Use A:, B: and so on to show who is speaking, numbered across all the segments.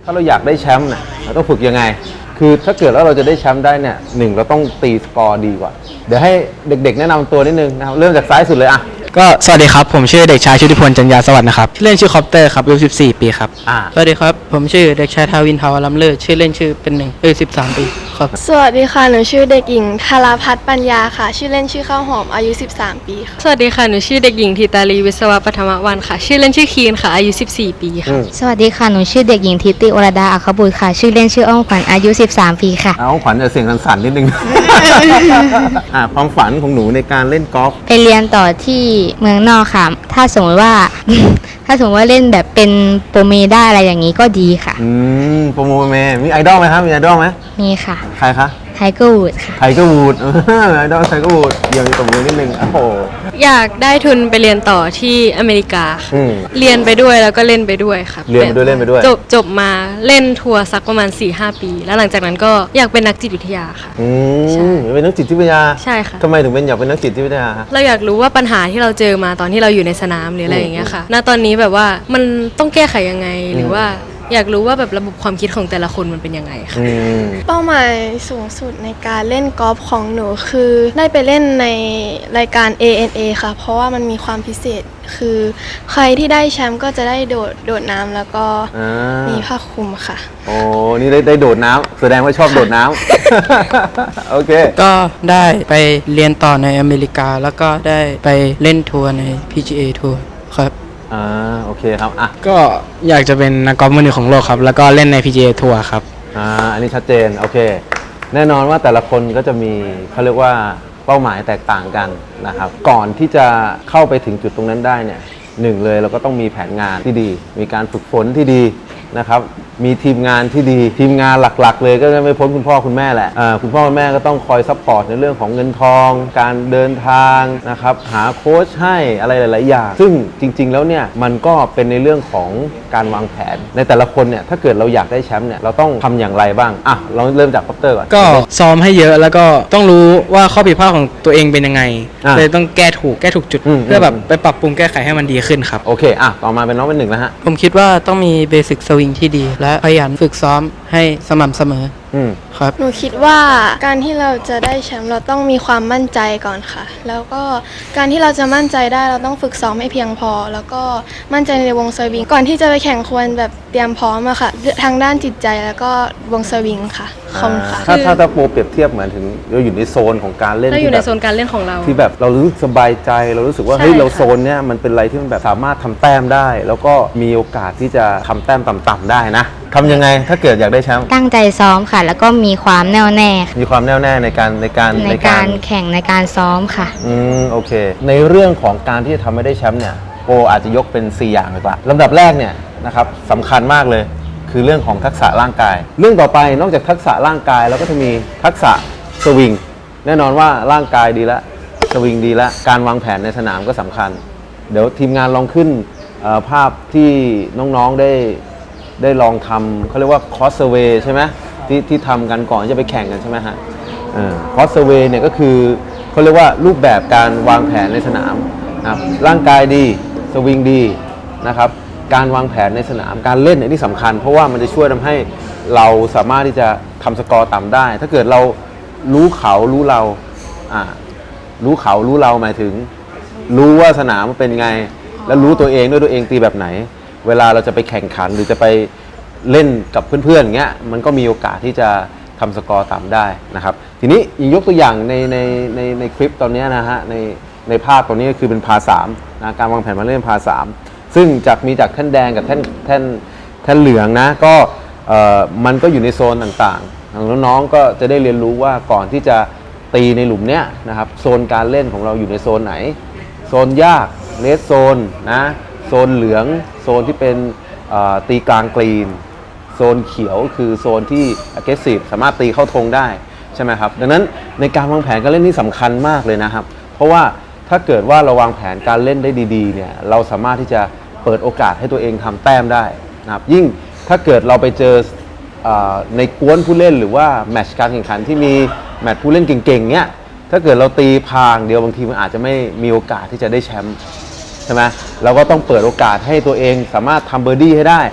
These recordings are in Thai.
A: ถ้าเราอยากได้แชมป์เนี่ยเราต้องฝึกยังไงคือถ้าเกิดแล้วเราจะได้แชมป์ได้เนี่ยเราต้องตีสกอร์ดีกว่าเดี๋ยวให้เด็กๆแนะนำตัวนิดนึงนะครับเริ่มจากซ้ายสุดเลยอ่ะ
B: ก็สวัสดีครับผมชื่อเด็กชายชุติพลจันยาสวัสดิ์นะครับชื่อเล่นชื่อคอปเตอร์ครับอายุ14 ปีครับ
C: สวัสดีครับผมชื่อเด็กชายทาวินทาวาลัมเลิศชื่อเล่นชื่อเป็นหนึ่งอายุ13 ปีครับ
D: สวัสดีค่ะหนูชื่อเด็กหญิงธาราพัฒน์ปัญญาค่ะชื่อเล่นชื่อข้าวหอมอายุ13 ปีค่ะ
E: สวัสดีค่ะหนูชื่อเด็กหญิงธิตาลีวิศวะปฐมวรรณค่ะชื่อเล่นชื่อคีนค่ะอายุ14 ปีค่ะ
F: สวัสดีค่ะหนูชื่อเด็กหญิงทิติวรดาอัครบุตรค่ะชื่อเล่นชื่ออ้อมขวัญอายุ13 ปีค่ะ
A: อ้อมขวัญจะเสียงสั่นๆนิดนึง ความฝันของหนูในการเล่นกอล์ฟ
F: ไปเรียนต่อที่เมืองนอกค่ะถ้าสมมติว่า ถ้าสมมติว่าเล่นแบบเป็นโปรเมได้อะไรอย่างนี้ก็ดีค่ะ
A: โปรโมเมมีไอดอลไหมครับมีไอดอลไหม
F: มีค่ะ
A: ใครคะ
F: ไทเกอร์วูดค่ะ
A: ไทเกอร์วูดไอดอลไทเกอร์วูดเดี๋ยวมีตบมือนิดนึงโอ้โห
E: อยากได้ทุนไปเรียนต่อที่อเมริกาเรียนไปด้วยแล้วก็เล่นไปด้วยค่ะ
A: เรียนไปด้วยเล่นไปด้วย
E: จบมาเล่นทัวร์สักประมาณ 4-5 ปีแล้วหลังจากนั้นก็อยากเป็นนักจิตวิทยาค่ะ
A: ใช่เป็นนักจิตวิทยา
E: ใช่ค่ะ
A: ทำไมถึงเป็นอยากเป็นนักจิตวิทยา
E: เราอยากรู้ว่าปัญหาที่เราเจอมาตอนที่เราอยู่ในสนามหรืออะไรอย่างเงี้ยค่ะณตอนนี้แบบว่ามันต้องแก้ไขยังไงหรือว่าอยากรู้ว่าแบบระบบความคิดของแต่ละคนมันเป็นยังไงค่ะ
D: เป้าหมายสูงสุดในการเล่นกอล์ฟของหนูคือได้ไปเล่นในรายการ ANA ค่ะเพราะว่ามันมีความพิเศษคือใครที่ได้แชมป์ก็จะได้โดดน้ำแล้วก็มีผ้าคลุมค่ะ
A: โอ้นี่ได้โดดน้ำแสดงว่าชอบโดดน้ำ โอเค
C: ก็ได้ไปเรียนต่อในอเมริกาแล้วก็ได้ไปเล่นทัวร์ใน PGA ทัวร์ครับ
A: โอเคครับ
B: ก็อยากจะเป็นนักกอล์ฟมือหนึ่งของโลกครับแล้วก็เล่นใน PGA ทัวร์ครับ
A: อันนี้ชัดเจนโอเคแน่นอนว่าแต่ละคนก็จะมีเขาเรียกว่าเป้าหมายแตกต่างกันนะครับก่อนที่จะเข้าไปถึงจุดตรงนั้นได้เนี่ยเลยเราก็ต้องมีแผนงานที่ดีมีการฝึกฝนที่ดีนะครับมีทีมงานที่ดีทีมงานหลักๆเลยก็จะไม่พ้นคุณพ่อคุณแม่แหละคุณพ่อคุณแม่ก็ต้องคอยซัพพอร์ตในเรื่องของเงินทองการเดินทางนะครับหาโค้ชให้อะไรหลายๆอย่างซึ่งจริงๆแล้วเนี่ยมันก็เป็นในเรื่องของการวางแผนในแต่ละคนเนี่ยถ้าเกิดเราอยากได้แชมป์เนี่ยเราต้องทำอย่างไรบ้างเราเริ่มจากคอปเตอร์ก่อน
B: ก็ซ้อมให้เยอะแล้วก็ต้องรู้ว่าข้อผิดพลาดของตัวเองเป็นยังไงเลยต้องแก้ถูกจุดเพื่อแบบไปปรับปรุงแก้ไขให้มันดีขึ้นครับ
A: โอเคต่อมาเป็นน้องเป็นหนึ่งแล้วฮะ
C: ผมคิดว่าต้องมีเบสิกสวิงที่ดีและขยันฝึกซ้อมให้สม่ำเสมอครับ
D: หนูคิดว่าการที่เราจะได้แชมป์เราต้องมีความมั่นใจก่อนค่ะแล้วก็การที่เราจะมั่นใจได้เราต้องฝึกซ้อมให้เพียงพอแล้วก็มั่นใจในวงสวิงก่อนที่จะไปแข่งควรแบบเตรียมพร้อมอะค่ะทางด้านจิตใจแล้วก็วงสวิงค่ะขอบคุณค่ะ
A: ถ้าโปรเปรียบเทียบเหมือนถึงเราอยู่ในโซนของการเล่น
E: เราอยู่ในโซนการเล่นของเรา
A: ที่แบบเรารู้สึกสบายใจเรารู้สึกว่าเฮ้ยเราโซนเนี้ยมันเป็นอะไรที่มันแบบสามารถทำแต้มได้แล้วก็มีโอกาสที่จะทำแต้มต่ำๆได้นะทำยังไงถ้าเกิดอยากได้แชมป์
F: ตั้งใจซ้อมค่ะแล้วก็มีความแน่วแน่
A: มีความแน่วแน่ในการ
F: แข่งในการซ้อมค่ะ
A: โอเคในเรื่องของการที่จะทำให้ได้แชมป์เนี่ยโปอาจจะยกเป็น4อย่างเลยกว่าลำดับแรกเนี่ยนะครับสำคัญมากเลยคือเรื่องของทักษะร่างกายเรื่องต่อไปนอกจากทักษะร่างกายแล้วก็จะมีทักษะสวิงแน่นอนว่าร่างกายดีแล้วสวิงดีแล้วการวางแผนในสนามก็สำคัญเดี๋ยวทีมงานลองขึ้นภาพที่น้องๆได้ลองทำเขาเรียกว่าคอร์สเซอร์เวย์ใช่ไหมที่ทำกันก่อนจะไปแข่งกันใช่ไหมฮะคอร์สเซอร์เวย์เนี่ยก็คือเขาเรียกว่ารูปแบบการวางแผนในสนามนะครับร่างกายดีสวิงดีนะครับการวางแผนในสนามการเล่นเนี่ยนี่สำคัญเพราะว่ามันจะช่วยทำให้เราสามารถที่จะทำสกอร์ต่ำได้ถ้าเกิดเรารู้เขารู้เรารู้เขารู้เราหมายถึงรู้ว่าสนามมันเป็นไงแล้วรู้ตัวเองด้วยตัวเองตีแบบไหนเวลาเราจะไปแข่งขันหรือจะไปเล่นกับเพื่อนๆอย่างเงี้ยมันก็มีโอกาสที่จะทำสกอร์ต่ำได้นะครับทีนี้ยกตัวอย่างในคลิปตอนนี้นะฮะในภาพตรงนี้ก็คือเป็นพา3นะการวางแผนมาเล่นพา3ซึ่งมีจากแท่นแดงกับแท่นเหลืองนะก็มันก็อยู่ในโซนต่างๆน้องๆก็จะได้เรียนรู้ว่าก่อนที่จะตีในหลุมเนี้ยนะครับโซนการเล่นของเราอยู่ในโซนไหนโซนยากเลสโซนนะโซนเหลืองโซนที่เป็นตีกลางกรีนโซนเขียวคือโซนที่ aggressive สามารถตีเข้าธงได้ใช่ไหมครับดังนั้นในการวางแผนการเล่นนี่สำคัญมากเลยนะครับเพราะว่าถ้าเกิดว่าเราวางแผนการเล่นได้ดีๆเนี่ยเราสามารถที่จะเปิดโอกาสให้ตัวเองทำแต้มได้นะครับยิ่งถ้าเกิดเราไปเจอในกวนผู้เล่นหรือว่าแมตช์การแข่งขันที่มีแมตช์ผู้เล่นเก่งๆเนี่ยถ้าเกิดเราตีพางเดียวบางทีมันอาจจะไม่มีโอกาสที่จะได้แชมป์ใช่ไหมเราก็ต้องเปิดโอกาสให้ตัวเองสามารถทำเบอร์ดี้ให้ได้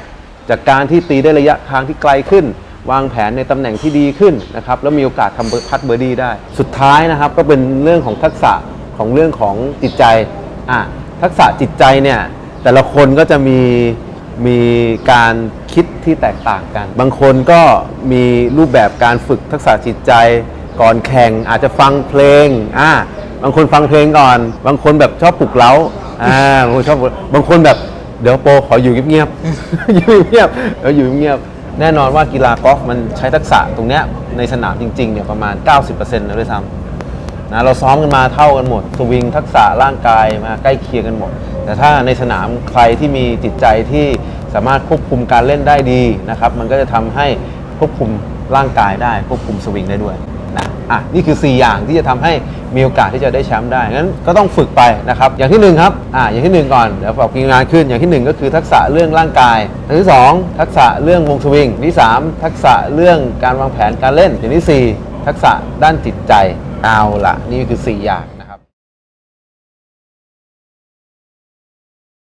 A: จากการที่ตีได้ระยะทางที่ไกลขึ้น วางแผนในตำแหน่งที่ดีขึ้นนะครับแล้วมีโอกาสทำพัดเบอร์ดี้ได้สุดท้ายนะครับก็เป็นเรื่องของทักษะของเรื่องของจิตใจทักษะจิตใจเนี่ยแต่ละคนก็จะมีการคิดที่แตกต่างกัน บางคนก็มีรูปแบบการฝึกทักษะจิตใจก่อนแข่งอาจจะฟังเพลงบางคนฟังเพลงก่อนบางคนแบบชอบปลุกเร้าบางคนชอบบางคนแบบเดี๋ยวโปรขออยู่เงียบๆ อยู่เงียบๆอยู่เงียบแน่นอนว่ากีฬากอล์ฟมันใช้ทักษะตรงเนี้ยในสนามจริงๆเนี่ยประมาณ 90%นะด้วยซ้ำนะเราซ้อมกันมาเท่ากันหมดสวิงทักษะร่างกายมาใกล้เคียงกันหมดแต่ถ้าในสนามใครที่มีจิตใจที่สามารถควบคุมการเล่นได้ดีนะครับมันก็จะทำให้ควบคุมร่างกายได้ควบคุมสวิงได้ด้วยนะนี่คือ4อย่างที่จะทำให้มีโอกาสที่จะได้แชมป์ได้งั้นก็ต้องฝึกไปนะครับอย่างที่1ครับอย่างที่1ก่อนเดี๋ยวบอกกินงานขึ้นอย่างที่1ก็คือทักษะเรื่องร่างกายอย่างที่2ทักษะเรื่องวงสวิงที่3ทักษะเรื่องการวางแผนการเล่นอย่างที่4ทักษะด้านจิตใจเอาล่ะนี่คือ4อย่าง